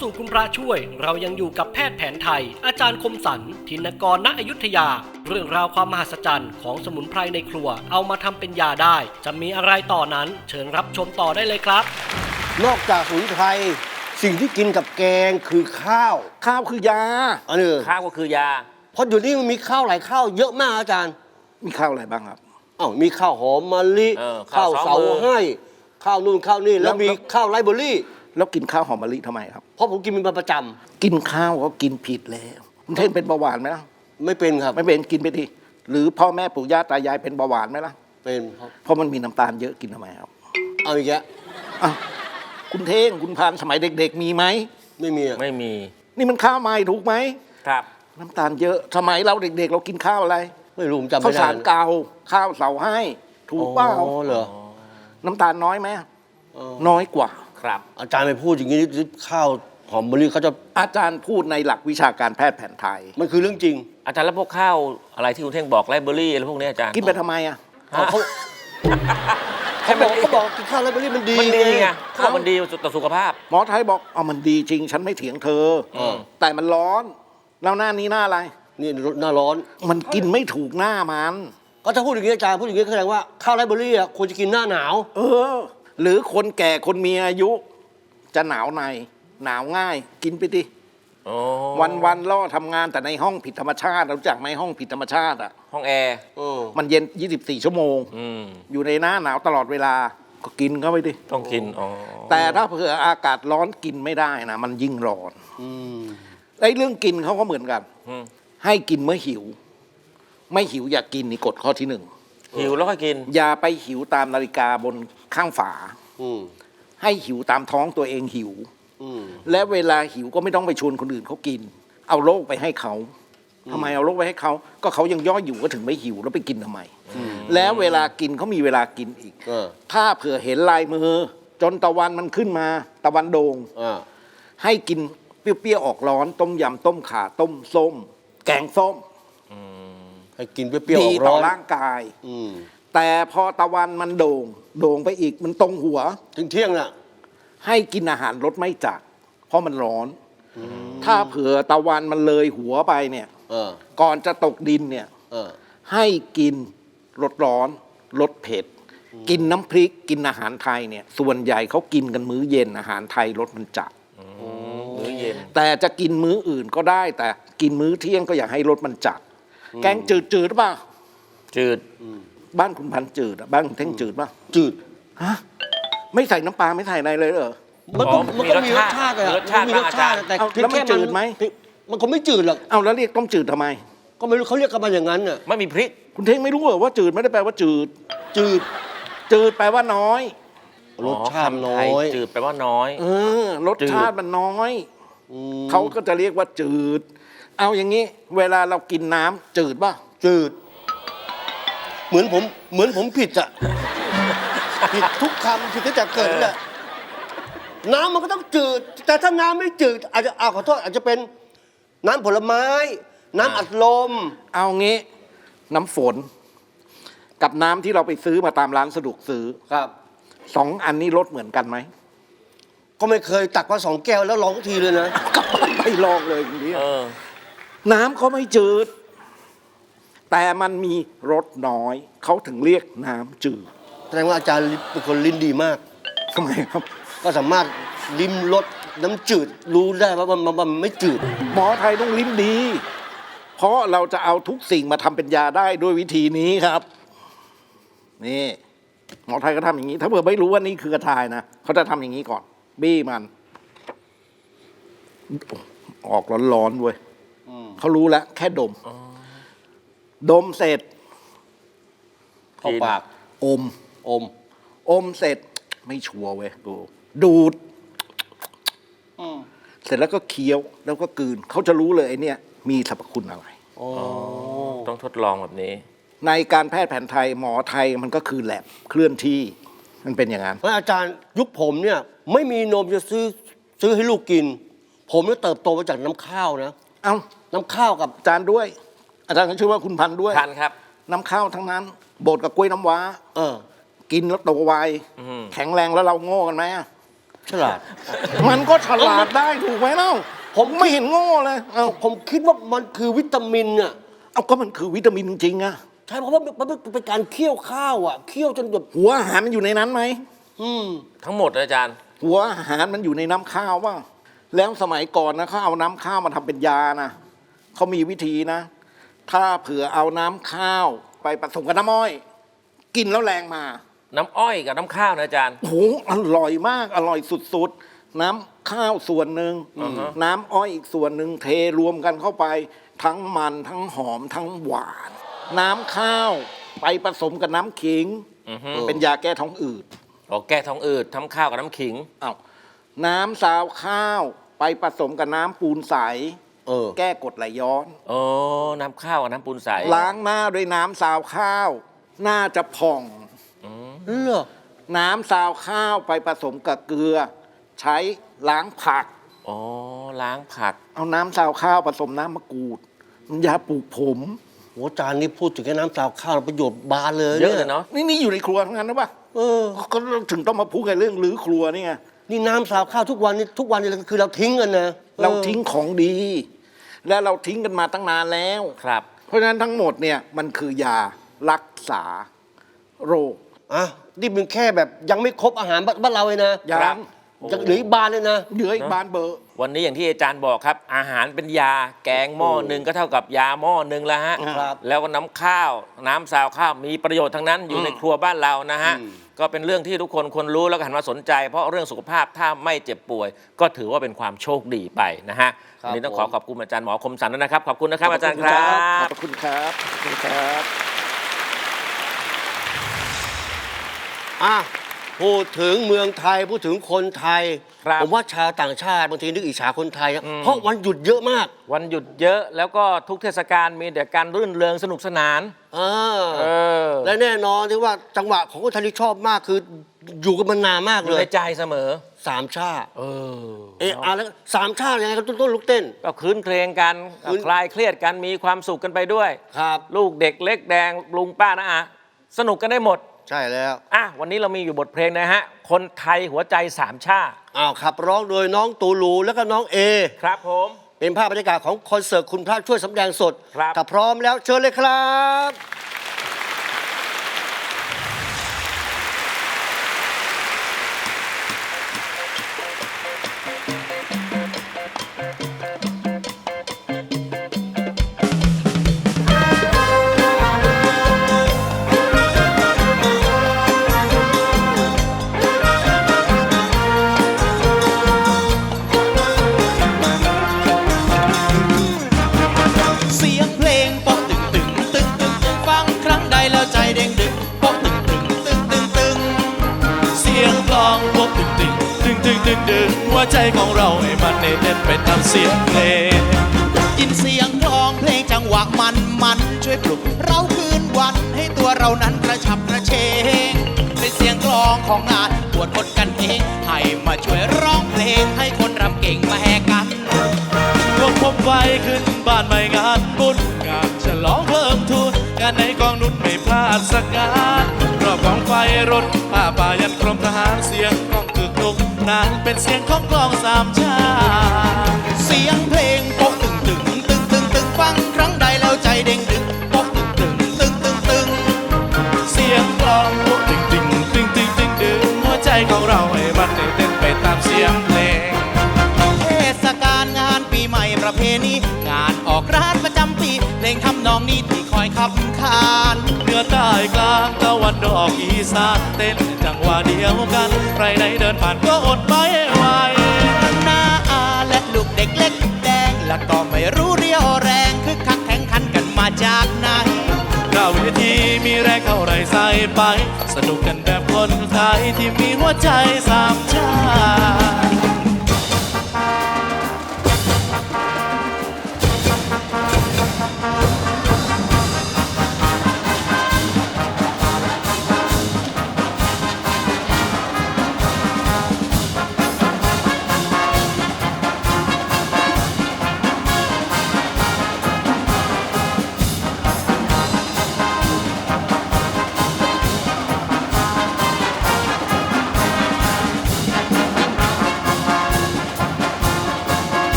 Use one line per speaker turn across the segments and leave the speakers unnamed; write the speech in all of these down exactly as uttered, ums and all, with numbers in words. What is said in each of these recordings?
สู่คุณพระช่วยเรายังอยู่กับแพทย์แผนไทยอาจารย์คมสันธินกรณอยุธยาเรื่องราวความมหัศจรรย์ของสมุนไพรในครัวเอามาทำเป็นยาได้จะมีอะไรต่อนั้นเชิญรับชมต่อได้เลยครับ
นอกจากสมุนไพรสิ่งที่กินกับแกงคือข้าว
ข้าวคือยา
อันนี้
ข้าวก็คือยา
เพราะเดี๋ยวนี้มันมีข้าวหลายข้าวเยอะมากอาจารย์
มีข้าวอะไรบ้างครับ
อ้าวมีข้าวหอมมะลิข้าวเสาให้ข้าวนู่นข้าวนี่แล้วมีข้าวไรซ์เบอร์รี่
แล้วกินข้าวหอมมะลิทำไมครับ
เพราะผมกินเป็นประจ
ำกินข้าวก็กินผิดแล้วคุณเท่งเป็นเบาหวานไหมล่ะ
ไม่เป็นครับ
ไม่เป็นกินไปทีหรือพ่อแม่ปู่ย่าตายายเป็นเบาหวานไหมล่ะ
เป็นครับ
เพราะมันมีน้ำตาลเยอะกินทำไมครับ
เอาอีกแล้ว
อ้าวคุณเท่งคุณพานสมัยเด็กๆมีไหม
ไม่มี
ไม่มี
นี่มันข้าวใหม่ถูกไหม
ครับ
น้ำตาลเยอะสมัยเราเด็กๆเรากินข้าวอะไร
ไม่รู้จำไม่ได้
ข้าวสารเก่าข้าวเสาให้ถูกเปล่า
อ๋อเหรอ
น้ำตาลน้อยไหมน้อยกว่า
ครับ
อาจารย์ไปพูดอย่างนี้ข้าวหอมมะลิเขาจะ
อาจารย์พูดในหลักวิชาการแพทย์แผนไทย
มันคือเรื่องจริง
อาจารย์แล้วพวกข้าวอะไรที่คุณเท่งบอกไรซ์เบอร์รี่อะไรพวกนี้อาจารย์
กินไปทำไมอ่ะ
เขาเขาบอกเขาบอกกินข้าวไรซ์เบอร์รี่มันดี
มันดีไงข้าวมันดีต่อสุขภาพ
หมอไทยบอกอ๋อมันดีจริงฉันไม่เถียงเธอแต่มันร้อนแล้วหน้านี้หน้าอะไร
นี่หน้าร้อน
มันกินไม่ถูกหน้ามัน
ก็ถ้าพูดอย่างนี้อาจารย์พูดอย่างนี้แสดงว่าข้าวไรซ์เบอร์รี่อ่ะควรจะกินหน้าหนาว
เออหรือคนแก่คนมีอายุจะหนาวในหนาวง่ายกินไปดิวันวันล่อทำงานแต่ในห้องผิดธรรมชาติรู้จักไหมห้องผิดธรรมชาติอ่ะ
ห้องแอร์
มันเย็นยี่สิบสี่ชั่วโมงอยู่ในหน้าหนาวตลอดเวลาก็กินเข้าไปดิ
ต้องกิน
แต่ถ้าเผื่ออากาศร้อนกินไม่ได้นะมันยิ่งร้อนไอ้เรื่องกินเขาก็เหมือนกันให้กินเมื่อหิวไม่หิวอย่ากินนี่กฎข้อที่หนึ่ง
หิวแล้วก็กิน
อย่าไปหิวตามนาฬิกาบนข้างฝาให้หิวตามท้องตัวเองหิวและเวลาหิวก็ไม่ต้องไปชวนคนอื่นเขากินเอาโรคไปให้เขาทำไมเอาโรคไปให้เขาก็เขายังย่ออยู่ก็ถึงไม่หิวแล้วไปกินทำไมแล้วเวลากินเขามีเวลากินอีกถ้าเผื่อเห็นลายมือจนตะวันมันขึ้นมาตะวันโด่งให้กินเปรี้ยวๆออกร้อนต้มยำต้มข่าต้มส้มแกงส้ม
ให้กินเปรี้ยวๆออกร้อน
ดีต่อร่างกายแต่พอตะวันมันโด่งโด่งไปอีกมันตรงหัว
ถึงเที่ยงน่ะ
ให้กินอาหารรสไม่จัดเพราะมันร้อนถ้าเผื่อตะวันมันเลยหัวไปเนี่ยก่อนจะตกดินเนี่ยให้กินรสร้อนรสเผ็ดกินน้ำพริกกินอาหารไทยเนี่ยส่วนใหญ่เขากินกันมื้อเย็นอาหารไทยรสมันจัด
มื้อเย็น
แต่จะกินมื้ออื่นก็ได้แต่กินมื้อเที่ยงก็อยากให้รสมันจัดแกงจืดจืดหรือเปล่า
จืด
บ้านคุณพันจืดบ้านคุณเท่งจืดป่ะ
จืด
ฮะไม่ใส่น้ำปลาไม่ใส่อะไรเลยเหรอ
มันก็มันก็มีรสชาติ
รสชาติ
มีรสชาติแต่
แล้วมันจืดไหม
มันก็ไม่จืดหรอก
เอาแล้วเรียกต้มจืดทำไม
ก็ไม่รู้เขาเรียกกันมาอย่างนั้นน่ะ
ไม่มีพริก
คุณเท่งไม่รู้เหรอว่าจืดไม่ได้แปลว่าจืด
จืด
จืดแปลว่าน้อย
รสชาติน้อย
จืดแปลว่าน้อย
เออรสชาติมันน้อยเขาก็จะเรียกว่าจืดเอาอย่างนี้เวลาเรากินน้ำจืดป่ะ
จืดเหมือนผมเหมือนผมผิดอะผิดทุกคำผิดตั้งแต่เกิดเลยน้ำมันก็ต้องจืดแต่ถ้าน้ำไม่จืดอาจจะอ้าวขอโทษอาจจะเป็นน้ำผลไม้น้ำอัดลม
เอางี้น้ำฝนกับน้ำที่เราไปซื้อมาตามร้านสะดวกซื้อ
ครับ
สองอันนี้รสเหมือนกันไหม
ก็ไม่เคยตักมาสองแก้วแล้วลองทีเลยนะ
ก็ไม่ลองเลยทีนี้น้ำก็ไม่จืดแต่มันมีรสน้อยเขาถึงเรียกน้ำจืด
แสดงว่าอาจารย์เป็นคนลิ้นดีมาก
ทำไมครับ
ก็สามารถลิ้มรสน้ำจืดรู้ได้ว่ามันมันไม่จืด
หมอไทยต้องลิ้นดีเพราะเราจะเอาทุกสิ่งมาทำเป็นยาได้ด้วยวิธีนี้ครับนี่หมอไทยก็ทำอย่างนี้ถ้าเผื่อไม่รู้ว่านี่คือกระชายนะเขาจะทำอย่างนี้ก่อนบี้มันออกร้อนๆเว้ยเขารู้แล้วแค่ดมดมเสร็จ
เข้าปาก
อม
อม
อมเสร็จไม่ชัวร์เว้ยดูดูดเสร็จแล้วก็เคี้ยวแล้วก็กลืนเขาจะรู้เลยไอ้นี่มีสรรพคุณอะไร
ต้องทดลองแบบนี้
ในการแพทย์แผนไทยหมอไทยมันก็คือแลบเคลื่อนที่มันเป็นอย่างนั้น
เพราะอาจารย์ยุคผมเนี่ยไม่มีนมจะซื้อซื้อให้ลูกกินผมเนี่ยเติบโตมาจากน้ำข้าวนะ
เอ้า
น้ำข้าวกับ
อาจารย์ด้วยอาจารย์ก็ชื่อว่าคุณพันด้วย
พันครับ
น้ำข้าวทั้งนั้นบดกับกล้วยน้ำว้า
เออ
กินแล้วโตไวแข็งแรงแล้วเราโง่กันไหม
ฉลาด
มันก็ฉลาดได้ถูกไหมเล่าผมไม่เห็นโง่เลยเอา
ผมคิดว่ามันคือวิตามินอ่ะ
เอาก็มันคือวิตามินจริงๆอะ
ใช่เพราะว่ามันเป็นการเคี่ยวข้าวอ่ะเคี่ยวจนแบบ
หัวอาหารมันอยู่ในนั้นไหม
อืม
ทั้งหมดเลยอาจารย์
หัวอาหารมันอยู่ในน้ำข้าวว่าแล้วสมัยก่อนนะเขาเอาน้ำข้าวมาทำเป็นยานะเขามีวิธีนะ ถ้าเผื่อเอาน้ำข้าวไปผสมกับน้ำอ้อย กินแล้วแรงมา
น้ำอ้อยกับน้ำข้าวนะอาจารย์
โอ้โหอร่อยมากอร่อยสุดๆ น้ำข้าวส่วนหนึ่ง
อือฮะ
น้ำอ้อยอีกส่วนหนึ่งเทรวมกันเข้าไป ทั้งมันทั้งหอมทั้งหวาน น้ำข้าวไปผสมกับน้ำขิง
อือฮึ
เป็นยาแก้ท้องอืด
อ๋อแก้ท้องอืดทำข้าวกับน้ำขิง
อ้าวน้ำซาวข้าวไปผสมกับน้ำปูนใส
เออ
แก้กรดไหลย้อน
โอ้น้ำข้าวกับน้ำปูนใส
ล้างหน้าด้วยน้ำซาวข้าว หน้าจะผ่อง
เหรอ
น้ำซาวข้าวไปผสมกับเกลือ ใช้ล้างผัก
อ๋อล้างผัก
เอาน้ำซาวข้าวผสมน้ำมะกรูดมันยาปลูกผม
โหอาจารย์นี่พูดถึงแค่น้ำซาวข้าวประโยชน์บานเลย
เยอะเลยเนาะ
นี่นี่อยู่ในครัวทั้งนั้นนะปะ
เออ
ก็ถึงต้องมาพูดกันเรื่องรื้อครัวนี่ไง
นี่น้ำซาวข้าวทุกวันนี่ทุกวันนี่คือเราทิ้งกันนะ
เราทิ้งของดี และเราทิ้งกันมาตั้งนานแล้ว
ครับ
เพราะฉะนั้นทั้งหมดเนี่ยมันคือยารักษาโรค
อ่ะนี่เป็นแค่แบบยังไม่ครบอาหารบ้านเราเลยนะ
ยั
ครับ
ง
ยังเหลืออีกบานเลยนะ
เหลืออีกบานเบอร์
วันนี้อย่างที่อาจารย์บอกครับ อาหารเป็นยาแกงหม้อหนึ่งก็เท่ากับยาหม้อหนึ่งแล้วฮะ
ครับ
แล้วก็น้ำข้าว น้ำซาวข้าวมีประโยชน์ทั้งนั้นอยู่ในครัวบ้านเรานะฮะ ก็เป็นเรื่องที่ทุกคนควรรู้แล้วก็หันมาสนใจ เพราะเรื่องสุขภาพถ้าไม่เจ็บป่วย ก็ถือว่าเป็นความโชคดีไปนะฮะ
ครับ
วันนี้ต้อง
ผม
ขอขอบคุณอาจารย์หมอคมสันด้วยนะครับ ขอบคุณนะครับ
ขอบ
อาจารย์
คุณ
ค
ครั
รับ
ขอบคุณครับขอบคุณครับ
อ่ะพูดถึงเมืองไทยพูดถึงคนไทย
ครับ
ผมว่าชาวต่างชาติบางทีนึกอิจฉาคนไทยนะเพราะวันหยุดเยอะมาก
วันหยุดเยอะแล้วก็ทุกเทศกาลมีแต่การรื่นเริงสนุกสนาน
เออ
เออ
และแน่นอนที่ว่าจังหวะของคนไทยที่ชอบมากคืออยู่กันมานานมาก
อ
เล
ยู่
ย
ในใจเสมอ
สามชาติ
เออ
เอะอะแล้วสามชาติยังไงก็ต้นลุกเต้น
ก็คืนเพลงกัน
คืน
คลายเครียดกันมีความสุขกันไปด้วย
ครับ
ลูกเด็กเล็กแดงลุงป้านะอะสนุกกันได้หมด
ใช่แล้ว
อ่ะวันนี้เรามีอยู่บทเพลงนะฮะ คนไทยหัวใจสามชาติ
อ้าวขับร้องโดยน้องตูลูแล้วก็น้องเอ
ครับผม
เป็นภาพบรรยากาศของคอนเสิร์ตคุณพระช่วยสำแดงสด
ครับ
ถ้าพร้อมแล้วเชิญเลยครับ
เสียงเพลงป๊อกตึงตึงตึงตึงตึงฟังครั้งใดแล้วใจเด้งดึงป๊อกตึงตึงตึงตึงตึงเสียงกลองป๊อกตึงตึงตึงตึงตึงตึงหัวใจของเราให้มันเต้นไปตามเสียงเพลงยินเสียงกลองเพลงจังหวะมันมันช่วยปลุกเราคืนวันให้ตัวเรานั้นกระฉับกระเฉงเป็นเสียงกลองของงานปวดคนกันเองให้มาช่วยร้องเพลงให้คนรำเก่งมาแหกกัน พวกผมไฟขึ้นบ้านใหม่งานบุญงานฉลองเพิ่มทุนงานในกองนุนไม่พลาดสักงานรอบกองไฟรถผ้าป่ายันกรมทหารเสียงกองกึกลุกนานเป็นเสียงของกลองสามชาติเสียงเพลงโป๊ะตึงตึงตึงตึงตึงฟังครั้งใดแล้วใจเด้งดึงโป๊ะตึงตึงตึงตึงตึงเสียงกลองโป๊ะตึงตึงตึงตึงตึงตึงหัวใจของเราให้มันเต้นไปตามเสียงเพลง เทศกาลงานปีใหม่ประเพณีงานออกร้านประจำปีเพลงทำนองนี้ที่คอยขับขานเหนือใต้กลางตะวันออกอีสานเต้นจังหวะเดียวกันใครใดเดินผ่านก็อดไม่ไหวหน้าอาและลูกเด็กเล็กแดงและก็ไม่รู้เรียวแรงคึกคักแข่งขันกันมาจากไหนหน้าเวทีมีแรงเท่าไรใส่ไป สนุกกันแบบคนไทยที่มีหัวใจสามชาติ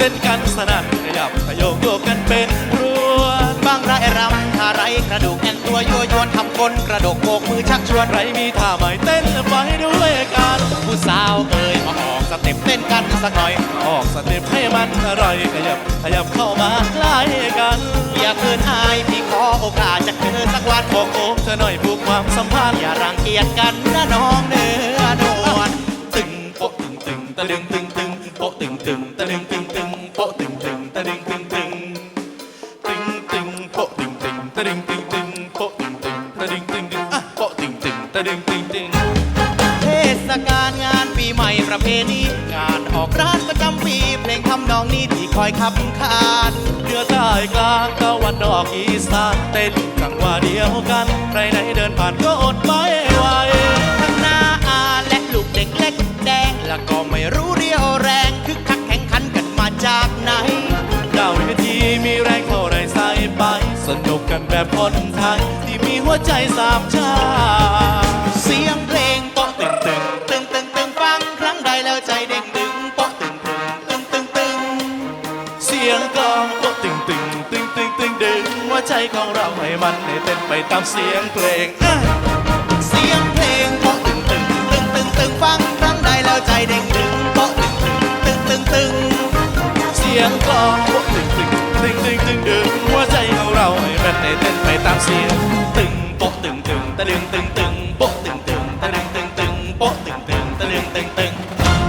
ต้นกันสนั่นขยับขยโยกกันเป็นรัวบางรายรำท่าไรกระดูกแอนตัวยั่วยวนทำคนกระดกโบกมือชักชวนไรมีท่าใหม่เต้นไปด้วยกันผู้สาวเอ่ยมาออกสเต็ปเต้นกันสักหน่อยออกสเต็ปให้มันอร่อยขยับขยับเข้ามาใกล้กันอย่าเกินอายพี่ขอโอกาสจะเจอสักวันบอกโอ้เธอหน่อยผูกความสัมพันธ์อย่ารังเกียจกันนะน้องเนื้อนวลตึงโปะตึงตึงตะดึงตึงตึงโปะตึงตึงตะดึงตึงตึงโปะตึงตึงตะดึงตึงตึงตึงตึงโปะตึงตึงตะดึงตึงตึงโปะตึงตึงตะดึงตึงตึงอ่ะโปะตึงตึงตะดึงตึงตึงเทศกาลงานปีใหม่ประเพณีงานออกร้านประจำปีเพลงทำนองนี้ที่คอยขับขานเหนือใต้กลางตะวันออกอีสานเต้นจังหวะเดียวกันใครไหนเดินผ่านก็อดไม่ไหวทั้งหน้าอาและลูกเด็กเล็กแดงแล้วก็ไม่รู้เรียวแรงคึกคักแข่งขันกันมาจากไหนดาวเวทีมีแรงเท่าไรใส่ไปสนุกกันแบบคนไทยที่มีหัวใจสามชาติเสียงเพลงโป๊ะตึงตึงตึงตึงตึงฟังครั้งใดแล้วใจเด้งดึงโป๊ะตึงตึงตึงตึงตึงเสียงกลองโป๊ะตึงตึงตึงตึงตึงดึงหัวใจของเราให้มันให้เต้นไปตามเสียงเพลงอ่ะเสียงเพลงโป๊ะตึงตึงตึงตึงตึงฟังครั้งใดแล้วใจเด้งดึงโป๊ะตึงตึงตึงตึงเสียงกลองโป๊ะตึงตึงตึงตึงตึงดึงหัวใจของเราให้มันให้เต้นไปตามเสียงตึงโป๊ะตึงตึงตะดึงตึงตึงโป๊ะตึงตึงตะดึงตึงตึงโป๊ะตึงตึงตะดึงตึงตึง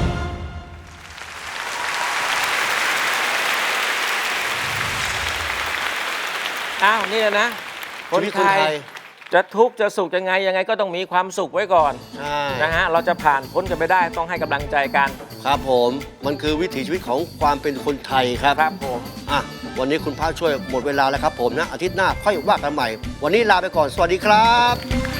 อ้าวนี่นะ คน
ชีวิต
ไท
คนไท
ย
ย
จะทุกข์จะสุขยังไงยังไงก็ต้องมีความสุขไว้ก่อน
ใช่
นะฮะเราจะผ่านพ้นกันไปได้ต้องให้กำลังใจกัน
ครับผม มันคือวิถีชีวิตของความเป็นคนไทยครับ
ครับผม
อ่ะ วันนี้คุณพระช่วยหมดเวลาแล้วครับผมนะ อาทิตย์หน้าค่อยว่ากันใหม่ วันนี้ลาไปก่อน สวัสดีครับ